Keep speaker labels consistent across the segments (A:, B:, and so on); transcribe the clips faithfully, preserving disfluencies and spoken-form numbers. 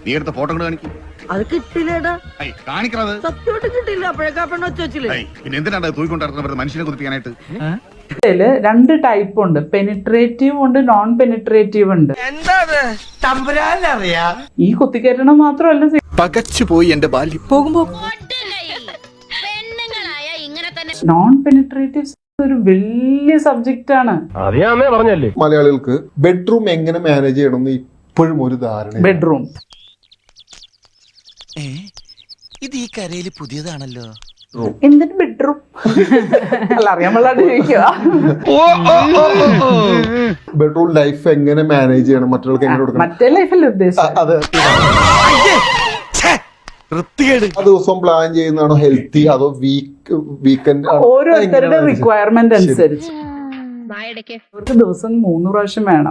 A: നീ എടുത്ത ഫോട്ടോ കൊണ്ട് കാണിക്കും.
B: അത് കിട്ടില്ലേടാ,
A: കാണിക്കണത്
B: സത്യമായിട്ട് കിട്ടില്ല. അപ്പോഴേക്കാ പെണ്ണ് വെച്ച് വെച്ചില്ലേ.
A: പിന്നെ എന്തിനാണ് തൂക്കിക്കൊണ്ടിരുന്നത് മനുഷ്യനെ കുതിപ്പിക്കാനായിട്ട്?
C: ഇതില് രണ്ട് ടൈപ്പ് ഉണ്ട്, പെനിട്രേറ്റീവ് ഉണ്ട്, നോൺ പെനിട്രേറ്റീവ് ഉണ്ട്. ഈ കുത്തിക്കയറ്റണം മാത്രമല്ല,
D: പകച്ചുപോയി എന്റെ ബാല്യം.
C: പോകുമ്പോ നോൺ പെനിട്രേറ്റീവ് ഒരു വലിയ സബ്ജക്റ്റ് ആണ്.
E: പറഞ്ഞല്ലേ മലയാളികൾക്ക് ബെഡ്റൂം എങ്ങനെ മാനേജ് ചെയ്യണമെന്ന് ഇപ്പോഴും ഒരു ധാരണ.
C: ബെഡ്റൂം
D: ഇത് ഈ കരയില് പുതിയതാണല്ലോ.
C: എന്തിന് ബെഡ്റൂം അല്ല, അറിയാൻ പാടില്ലാണ്ട് ചോദിക്കുക.
E: ബെഡ്റൂം ലൈഫ് എങ്ങനെ മാനേജ് ചെയ്യണം, മറ്റുള്ളവർക്ക് എങ്ങനെ കൊടുക്കണം,
C: മറ്റേ ലൈഫല്ലേ ഉദ്ദേശിച്ചത്.
E: അത് ആ ദിവസം പ്ലാൻ ചെയ്യുന്നതാണോ ഹെൽത്തി അതോ വീക്ക് വീക്കെൻഡ്?
C: ഓരോരുത്തരുടെ റിക്വയർമെന്റ് അനുസരിച്ച് ഒരു ദിവസം മൂന്ന് പ്രാവശ്യം വേണം.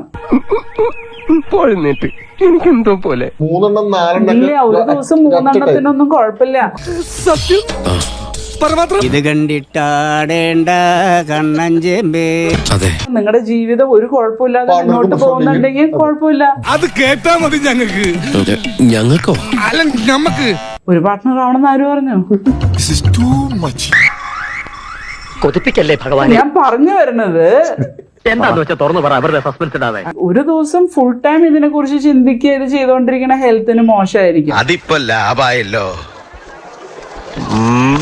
E: എനിക്കെന്തോ പോലെ മൂന്നെണ്ണം നാലെണ്ണം
C: ഇല്ല, ഒരു ദിവസം മൂന്നെണ്ണത്തിനൊന്നും കുഴപ്പമില്ല.
D: ഇത് കണ്ടിട്ടാടേണ്ട കണ്ണഞ്ചേമ്പേ. അതെ,
C: നിങ്ങളുടെ ജീവിതം ഒരു കുഴപ്പമില്ലാതെ മുന്നോട്ട് പോകുന്നുണ്ടെങ്കിൽ കുഴപ്പമില്ല.
F: അത് കേട്ടാ മതി ഞങ്ങൾക്ക്.
D: ഞങ്ങൾക്കോ?
F: അല്ല ഞമ്മക്ക്
C: ഒരു പാർട്ട്ണർ ആവണമെന്ന് ആര് പറഞ്ഞു?
B: കൊതിപ്പിക്കല്ലേ ഭഗവാൻ.
C: ഞാൻ പറഞ്ഞു വരുന്നത്
B: എന്താന്ന് വെച്ചാൽ തുറന്നു പറ, അവരുടെ സസ്പെൻസ് ഇടാതെ.
C: ഒരു ദിവസം ഫുൾ ടൈം ഇതിനെ കുറിച്ച് ചിന്തിക്കുക, ഇത് ചെയ്തോണ്ടിരിക്കുന്ന ഹെൽത്തിന് മോശമായിരിക്കും.
D: അതിപ്പോ ലാഭായല്ലോ.